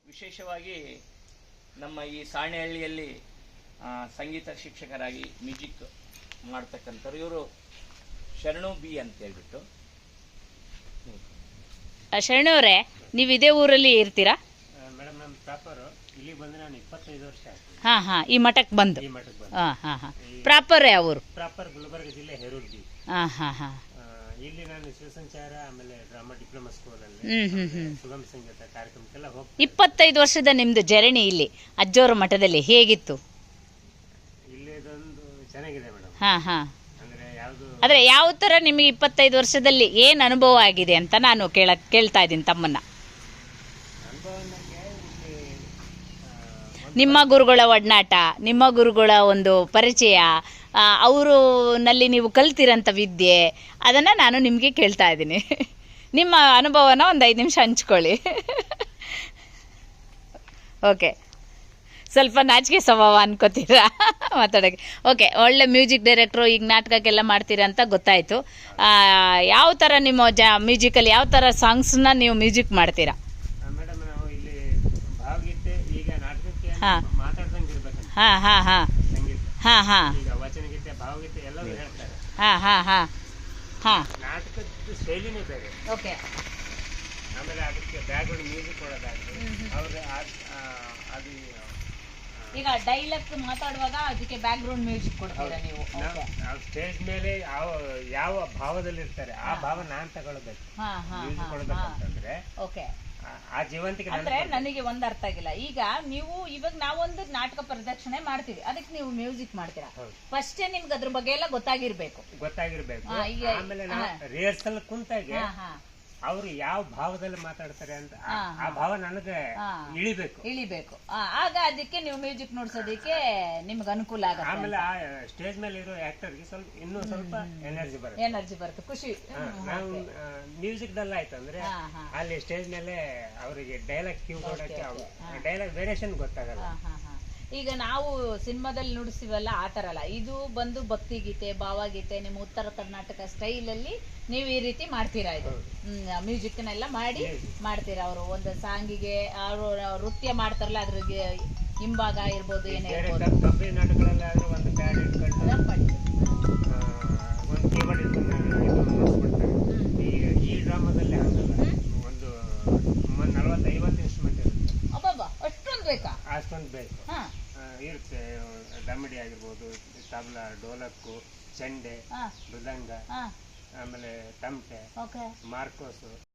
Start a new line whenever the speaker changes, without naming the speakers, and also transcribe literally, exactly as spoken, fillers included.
ವಿಶೇಷವಾಗಿ ನಮ್ಮ ಈ ಸಾಣೆಹಳ್ಳಿಯಲ್ಲಿ ಸಂಗೀತ ಶಿಕ್ಷಕರಾಗಿ ಮ್ಯೂಸಿಕ್ ಮಾಡ್ತಕ್ಕಂಥವ್ರು ಇವರು ಶರಣು ಬಿ ಅಂತ ಹೇಳ್ಬಿಟ್ಟು.
ಶರಣು ಅವರೇ, ನೀವು ಇದೇ ಊರಲ್ಲಿ ಇರ್ತೀರಾ?
ಮೇಡಮ್ ನಮ್ಮ ಪ್ರಾಪರ್ ಇಲ್ಲಿ ಬಂದು ನಾನು ಇಪ್ಪತ್ತೈದು ವರ್ಷ ಆಯ್ತು.
ಹಾಂ ಹಾಂ, ಈ ಮಠಕ್ಕೆ ಬಂದು.
ಈ ಮಠಕ್ಕೆ ಬಂದು.
ಹಾಂ ಹಾಂ ಹಾಂ. ಪ್ರಾಪರ್ ಯಾವ ಊರು?
ಪ್ರಾಪರ್ ಗುಲ್ಬರ್ಗ ಜಿಲ್ಲೆ ಹೆರೂರ್ಗಿ.
ಹಾಂ ಹಾಂ ಹಾಂ.
ಇಲ್ಲಿ ನಾನು ಶಿವಸಂಚಾರ ಆಮೇಲೆ ಡ್ರಾಮಾ ಡಿಪ್ಲೊಮಾ ಸ್ಕೂಲಲ್ಲಿ
ಹ್ಮ್ ಹ್ಮ್ ಹ್ಮ್.
ಸುಗಮ ಸಂಗೀತ ಕಾರ್ಯಕ್ರಮಕ್ಕೆಲ್ಲ ಹೋಗಿ
ಇಪ್ಪತ್ತೈದು ವರ್ಷದ ನಿಮ್ದು ಜರ್ನಿ ಇಲ್ಲಿ ಅಜ್ಜೋರ ಮಠದಲ್ಲಿ ಹೇಗಿತ್ತು?
ಇಲ್ಲಿ ಇದೊಂದು ಚೆನ್ನಾಗಿದೆ ಮೇಡಮ್.
ಹಾಂ ಹಾಂ.
ಅಂದ್ರೆ ಯಾವುದು
ಆದರೆ ಯಾವ ಥರ ನಿಮಗೆ ಇಪ್ಪತ್ತೈದು ವರ್ಷದಲ್ಲಿ ಏನು ಅನುಭವ ಆಗಿದೆ ಅಂತ ನಾನು ಕೇಳ ಕೇಳ್ತಾ ಇದ್ದೀನಿ ತಮ್ಮನ್ನ.
ಅನುಭವ ನನಗೆ ಇಲ್ಲಿ ಆ,
ನಿಮ್ಮ ಗುರುಗಳ ಒಡನಾಟ, ನಿಮ್ಮ ಗುರುಗಳ ಒಂದು ಪರಿಚಯ, ಅವರು ನಲ್ಲಿ ನೀವು ಕಲ್ತಿರೋಂಥ ವಿದ್ಯೆ, ಅದನ್ನು ನಾನು ನಿಮಗೆ ಕೇಳ್ತಾ ಇದ್ದೀನಿ. ನಿಮ್ಮ ಅನುಭವನ ಒಂದು ಐದು ನಿಮಿಷ ಹಂಚ್ಕೊಳ್ಳಿ. ಓಕೆ, ಸ್ವಲ್ಪ ನಾಚಿಕೆ ಸ್ವಭಾವ ಅನ್ಕೋತೀರಾ ಮಾತಾಡೋಕ್ಕೆ. ಓಕೆ, ಒಳ್ಳೆ ಮ್ಯೂಸಿಕ್ ಡೈರೆಕ್ಟ್ರು, ಈಗ ನಾಟಕಕ್ಕೆಲ್ಲ ಮಾಡ್ತೀರಾ ಅಂತ ಗೊತ್ತಾಯಿತು. ಯಾವ ಥರ ನಿಮ್ಮ ಜ ಮ್ಯೂಸಿಕಲ್ಲಿ ಯಾವ ಥರ ಸಾಂಗ್ಸನ್ನ ನೀವು ಮ್ಯೂಸಿಕ್ ಮಾಡ್ತೀರಾ?
ಮೇಡಮ್ ನಾವು ಇಲ್ಲಿ ಭಾವಗೀತೆ ಈಗ ನಾಟಕಕ್ಕೆ
ಹಾಂ.
ಮಾತಾಡ್ದಂಗೆ ಇರ್ಬೇಕಂತ
ಹಾಂ ಹಾಂ ಹಾಂ
ಸಂಗೀತ.
ಹಾಂ ಹಾಂ
ಈಗ ವಚನಗೀತೆ ಭಾವಗೀತೆ ಎಲ್ಲರೂ ಹೇಳ್ತಾರೆ.
ಹಾಂ ಹಾಂ ಹಾಂ ಹಾಂ.
ನಾಟಕದ ಶೈಲಿನೇ ಬೇರೆ.
ಓಕೆ.
ಆಮೇಲೆ ಅದಕ್ಕೆ ಬ್ಯಾಕ್ಗ್ರೌಂಡ್ ಮ್ಯೂಸಿಕ್ ಕೊಡೋದಾಗಲಿ ಅವ್ರು ಅದು
ಈಗ ಡೈಲಾಗ್ ಮಾತಾಡುವಾಗ ಅದಕ್ಕೆ ಬ್ಯಾಕ್ ಗ್ರೌಂಡ್ ಮ್ಯೂಸಿಕ್ ಕೊಡ್ತೀರಾ ನೀವು?
ನಾವು ಸ್ಟೇಜ್ ಮೇಲೆ ಯಾವ ಯಾವ ಭಾವದಲ್ಲಿ ಇರ್ತಾರೆ ಆ ಭಾವ ನಾನ್ ತಗೊಳ್ಬೇಕು.
ಹಾಂ ಹಾಂ
ಮ್ಯೂಸಿಕ್ ಕೊಡ್ಬೇಕಂತಂದ್ರೆ
ಓಕೆ.
ಆ- ಆ ಜೀವಂತಿಕೆ ನನ್ಗೆ
ಅಂದ್ರೆ
ಕೊಡ್ಬೇಕು.
ನನಗೆ ಒಂದು ಅರ್ಥ ಆಗಿಲ್ಲ. ಈಗ ನೀವು ಇವಾಗ ನಾವೊಂದು ನಾಟಕ ಪ್ರದರ್ಶನೆ ಮಾಡ್ತೀವಿ, ಅದಕ್ಕೆ ನೀವು ಮ್ಯೂಸಿಕ್ ಮಾಡ್ತೀರಾ.
ಹೌದು.
ಫಸ್ಟ್ ನಿಮ್ಗೆ ಅದ್ರ ಬಗ್ಗೆ ಎಲ್ಲ ಗೊತ್ತಾಗಿರ್ಬೇಕು.
ಗೊತ್ತಾಗಿರ್ಬೇಕು.
ಹಾ, ಈಗ-
ಆಮೇಲೆ ನಾವು ರಿಹರ್ಸಲ್ ಕುಂತಾಗೆ
ಹಾ ಹಾ
ಅವ್ರು ಯಾವ ಭಾವದಲ್ಲಿ ಮಾತಾಡ್ತಾರೆ ಅಂತ ಆ-
ಹಾ,
ಆ ಭಾವ ನನಗೆ
ಹಾ.
ಇಳಿಬೇಕು.
ಇಳಿಬೇಕು. ಆ, ಆಗ ಅದಕ್ಕೆ ನೀವು ಮ್ಯೂಸಿಕ್ ನುಡ್ಸೋದಕ್ಕೆ ನಿಮ್ಗೆ ಅನುಕೂಲ ಆಗುತ್ತೆ.
ಆಮೇಲೆ ಆ ಸ್ಟೇಜ್ ಮೇಲೆ ಇರೋ ಆಕ್ಟರ್ಗೆ ಸ್ವಲ್ಪ ಇನ್ನೂ ಸ್ವಲ್ಪ ಎನರ್ಜಿ ಬರುತ್ತೆ.
ಎನರ್ಜಿ ಬರುತ್ತೆ, ಖುಷಿ.
ಹಾ, ನಾವು ಮ್ಯೂಸಿಕ್ ಡಲ್ ಆಯ್ತು ಅಂದ್ರೆ
ಹಾ, ಹಾ.
ಅಲ್ಲಿ ಸ್ಟೇಜ್ ಮೇಲೆ ಅವರಿಗೆ ಡೈಲಾಗ್ ಕ್ಯೂ ಕೊಡಕ್ಕೆ
okay. ಹಾ.
ಡೈಲಾಗ್ ವೇರಿಯೇಷನ್ ಗೊತ್ತಾಗಲ್ಲ.
ಹಾ, ಹಾ, ಹಾ. ಈಗ ನಾವು ಸಿನಿಮಾದಲ್ಲಿ ನುಡಿಸ್ತೀವಲ್ಲ ಆ ಥರ ಅಲ್ಲ, ಇದು ಬಂದು ಭಕ್ತಿಗೀತೆ, ಭಾವಗೀತೆ, ನಿಮ್ಮ ಉತ್ತರ ಕರ್ನಾಟಕ ಸ್ಟೈಲಲ್ಲಿ ನೀವು ಈ ರೀತಿ ಮಾಡ್ತೀರಾ. ಇದು ಮ್ಯೂಸಿಕ್ನೆಲ್ಲ ಮಾಡಿ ಮಾಡ್ತೀರಾ. ಅವರು ಒಂದು ಸಾಂಗಿಗೆ ಅವರು ನೃತ್ಯ ಮಾಡ್ತಾರಲ್ಲ, ಅದ್ರಿಗೆ ಹಿಂಭಾಗ ಇರ್ಬೋದು, ಏನೇ
ಬೇರೆ
ಇರ್ಬೋದು.
ಕಂಪನಿ ನಾಟಕಗಳಲ್ಲಾದ್ರೂ ಒಂದು ಪ್ಯಾಡ್ ಇಟ್ಕೊಂಡು
ಅದನ್ನ ಮಾಡಿ.
ಆ, ಒಂದು ಕೀಬೋರ್ಡ್ ಇಟ್ಕೊಂಡು ಇದು ಮಾಡಿಸ್ಬಿಡ್ತಾರೆ. ಈಗ ಈ ಡ್ರಾಮಾದಲ್ಲಿ ಹಂಗಲ್ಲ. ಒಂದು ನಲ್ವತ್ತು ಐವತ್ತು ಇನ್ಸ್ಟ್ರೂಮೆಂಟ್ ಇರುತ್ತೆ.
ಅಬ್ಬಬ್ಬ, ಅಷ್ಟೊಂದು ಬೇಕಾ?
ಅಷ್ಟೊಂದು ಬೇಕು.
ಹಾ
ಆ, ಇರುತ್ತೆ. ದಮಡಿ ಆಗಿರ್ಬೋದು, ತಬಲ, ಡೋಲಕ್ಕು, ಚೆಂಡೆ,
ಹಾ
ಮೃದಂಗ,
ಹಾ
ಆಮೇಲೆ ತಮಟೆ,
ಓಕೆ.
ಮಾರ್ಕೋಸು,